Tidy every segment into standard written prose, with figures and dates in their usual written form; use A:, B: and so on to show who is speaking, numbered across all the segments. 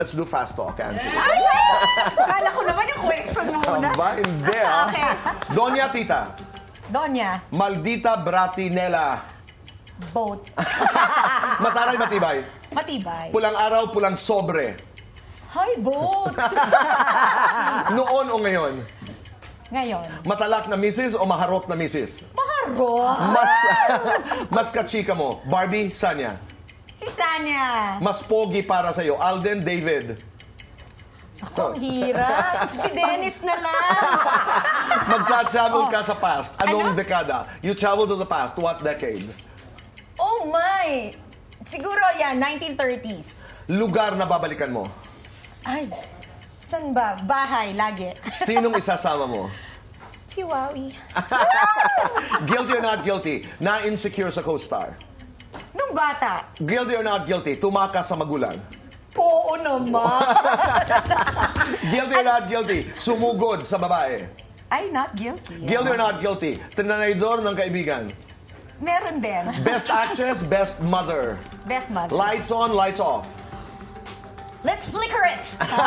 A: Let's do fast talk, Angela.
B: Akala ko naman yung question muna.
A: Aba, hindi ah.
B: Okay.
A: Doña Tita,
B: Donya,
A: Maldita Bratinela.
B: boat.
A: Mataray matibay.
B: Matibay.
A: Pulang araw, pulang sobre.
B: Hi, boat.
A: Noon o ngayon?
B: Ngayon,
A: Matalak na misis o maharot na misis?
B: maharo.
A: Mas kachika mo, Barbie, Sanya.
B: Si Sanya.
A: Mas pogi para sa'yo, Alden, David.
B: Ang hirap. Si Dennis na lang.
A: Magka-travel ka sa past. Anong
B: Ano?
A: dekada? You travel to the past. What decade?
B: Oh my. Siguro yan, 1930s.
A: Lugar na babalikan mo.
B: Ay, saan ba? Bahay, lagi.
A: Sinong isasama mo?
B: Si Wowie.
A: Guilty or not guilty? Na-insecure sa co-star.
B: Nung bata,
A: Guilty or not guilty? Tumakas sa magulang.
B: oo naman.
A: Guilty or not guilty? Sumugod sa babae.
B: Ay, not guilty.
A: Guilty or not guilty? Tinanaydor ng kaibigan.
B: Meron din.
A: Best actress, best mother.
B: Best mother.
A: Lights on, lights off.
B: Let's flicker it.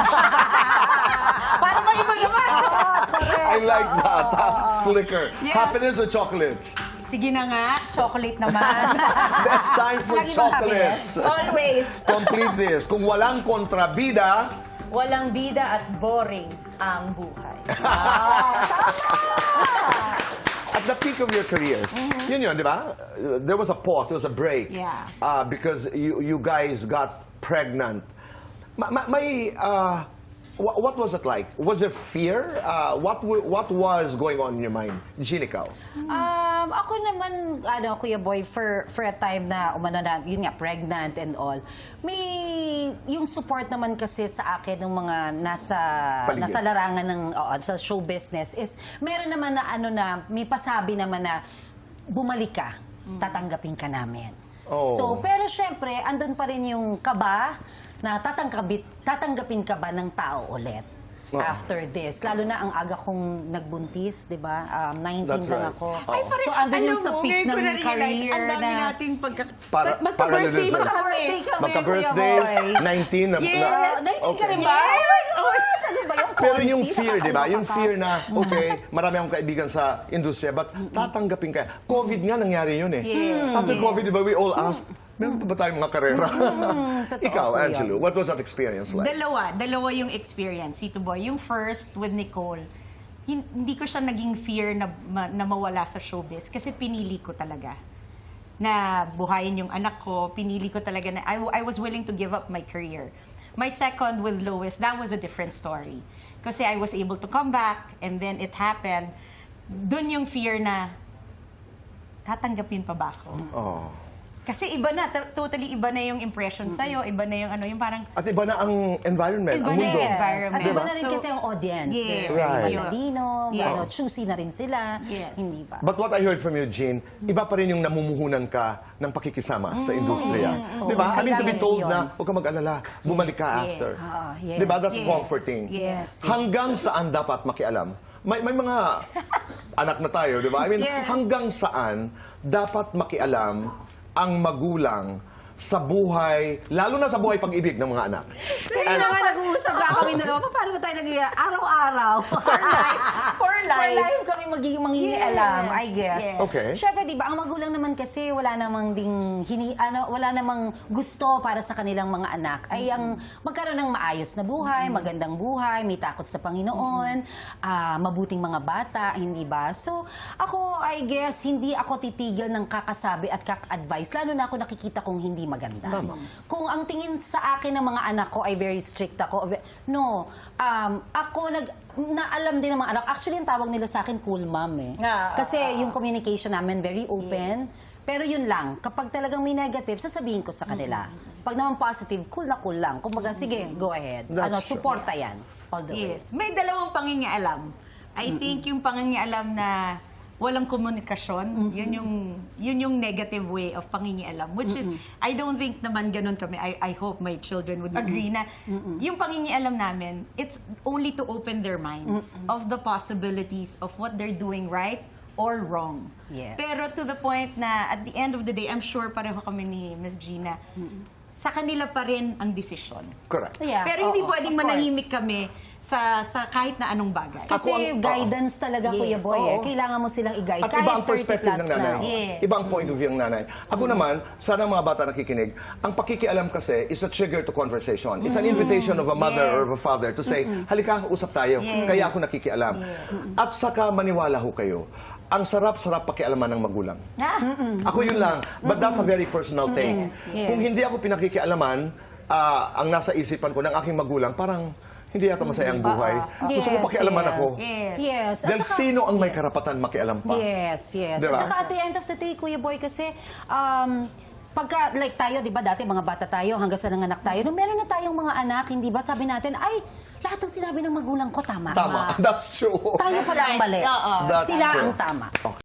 B: Para maiba naman.
A: I like that. Flicker.
B: Yes.
A: Happiness or chocolates?
B: Sige na nga, chocolate naman.
A: Best time for
C: Lagi bang
A: chocolates.
B: Always.
A: Complete this. Kung walang kontrabida,
B: Walang bida at boring ang buhay.
A: at the peak of your careers, yun yun, di ba? There was a pause, there was a break.
B: Yeah.
A: Because you guys got pregnant. What was it like? Was there fear? What was going on in your mind? Jean, ikaw?
C: Ako naman, Kuya Boy, for a time na umano na, yun nga, pregnant and all, may yung support naman kasi sa akin ng mga
A: Paligid.
C: nasa larangan ng sa show business is meron naman na may pasabi naman na bumalik ka, tatanggapin ka namin.
A: Oh.
C: So, pero syempre, andun pa rin yung kaba na tatanggapin ka ba ng tao ulit after this. Lalo na ang aga kong nagbuntis, di ba? 19
A: That's
C: lang
A: right.
C: ako.
A: Ay,
C: So, andun yung sa peak ng career
B: ang dami
C: na...
B: nating
A: Para-
B: magka-birthday
A: para-
B: ba kami?
C: Birthday kami, Kuya
A: Magka-birthday,
C: Boy.
A: 19 na...
B: Yes.
C: 19 ka rin ba?
B: Yes.
C: Oh my gosh, ano ba yung
A: Pero
C: policy?
A: yung fear, di ba? Yung
C: Nakakaloka
A: fear
C: ka.
A: na, okay, marami akong kaibigan sa industriya, but tatanggapin ka. COVID nga nangyari yun eh.
B: Yes.
A: After COVID, di ba, we all asked, meron pa ba tayong mga karera?
C: totoo
A: Ikaw,
C: po yan.
A: Angelo, what was that experience like?
B: Dalawa yung experience, Tito Boy. Yung first with Nicole, hindi ko siya naging fear na mawala sa showbiz kasi pinili ko talaga na buhayin yung anak ko. Pinili ko talaga na I was willing to give up my career. My second with Lois, that was a different story. Kasi I was able to come back and then it happened. Doon yung fear na tatanggapin pa ba ako?
A: Oh.
B: Kasi iba na, totally iba na yung impression sa'yo, iba na yung ano, yung parang
A: At iba na ang environment,
B: Iba
A: ang
B: na
A: mundo.
B: yung environment.
C: At iba na rin
B: So,
C: kasi ang audience.
B: yes,
C: They're
A: right.
C: matalino,
B: Yes.
C: choosy na rin sila.
B: Yes.
C: Hindi ba?
A: But what I heard from you, Jean, iba pa rin yung namumuhunan ka ng pakikisama sa industriya.
C: Yes.
A: Di ba? I mean, to be
C: Kailangan
A: told
C: yun.
A: na, huwag ka mag-alala, bumalik ka
B: Yes.
A: after.
C: Yes.
A: Di ba? That's
B: Yes.
A: comforting.
C: Yes.
A: Hanggang saan dapat makialam? May mga anak na tayo, di ba? I mean,
B: Yes.
A: hanggang saan dapat makialam ang magulang sa buhay, lalo na sa buhay pag-ibig ng mga anak.
C: Kanina nga nag-uusap ka kami dalawa, paano ba tayo araw-araw?
B: For life.
C: For life kami magiging mangingialam,
B: Yes.
C: I guess.
B: Yes.
A: Okay.
C: Siyempre, di ba, ang magulang naman kasi wala namang wala namang gusto para sa kanilang mga anak ay ang magkaroon ng maayos na buhay, magandang buhay, may takot sa Panginoon, mabuting mga bata, hindi ba? So, ako, I guess, hindi ako titigil ng kakasabi at kaka-advise, lalo na ako nakikita kong hindi maganda. Kung ang tingin sa akin ng mga anak ko ay very strict ako, ako naalam din ng mga anak. Actually, ang tawag nila sa akin, cool mom eh. Kasi yung communication namin very open. Pero yun lang, kapag talagang may negative, sasabihin ko sa kanila. Pag naman positive, cool lang. Kumbaga, sige, go ahead.
A: That's
C: Suporta yan. All the way.
B: Yes. May dalawang pangingialam. I think yung pangingialam na walang komunikasyon, yun yung negative way of pangingialam. Which is, I don't think naman ganun kami. I hope my children would agree na yung pangingialam namin, it's only to open their minds of the possibilities of what they're doing right or wrong.
C: Yes.
B: Pero to the point na at the end of the day, I'm sure pareho kami ni Miss Gina, sa kanila pa rin ang desisyon.
A: Correct.
C: Yeah,
B: Pero hindi
C: oo,
B: pwedeng
C: of course.
B: manahimik kami sa kahit na anong bagay.
C: Kasi
A: Ako
C: guidance talaga,
B: Yes,
C: Kuya Boy.
A: oo.
C: Kailangan mo silang i-guide.
A: At
C: Kahit
A: iba ang
C: 30
A: perspective
C: plus
A: ng nanay.
C: na.
B: Yes.
A: Iba ang point of view ng nanay. Ako naman, sana mga bata nakikinig, ang pakikialam kasi is a trigger to conversation. It's an invitation of a mother
B: Yes.
A: or of a father to say, halika, usap tayo.
B: Yes.
A: Kaya ako nakikialam. At saka maniwala ho kayo, ang sarap-sarap pakialaman ng magulang. Ako yun lang. But that's a very personal thing.
C: Yes.
A: Kung hindi ako pinakikialaman, ang nasa isipan ko ng aking magulang, parang hindi yata masaya ang buhay. Gusto ko
C: Yes,
A: pakialaman
C: yes.
A: ako.
B: Yes.
C: Yes. At
A: Then
C: saka-
A: sino ang may
C: Yes.
A: karapatan makialam pa?
C: Yes, yes.
A: Diba?
C: At saka at the end of the day, Kuya Boy, kasi pagka, like tayo, di ba, dati mga bata tayo, hanggang sa nanganak tayo, nung meron na tayong mga anak, hindi ba, sabi natin, ay, lahat ng sinabi ng magulang ko, tama.
A: Tama. That's true.
C: Tayo pala ang mali.
B: Oo.
A: That's
C: Sila
A: true.
C: ang tama.
A: Okay.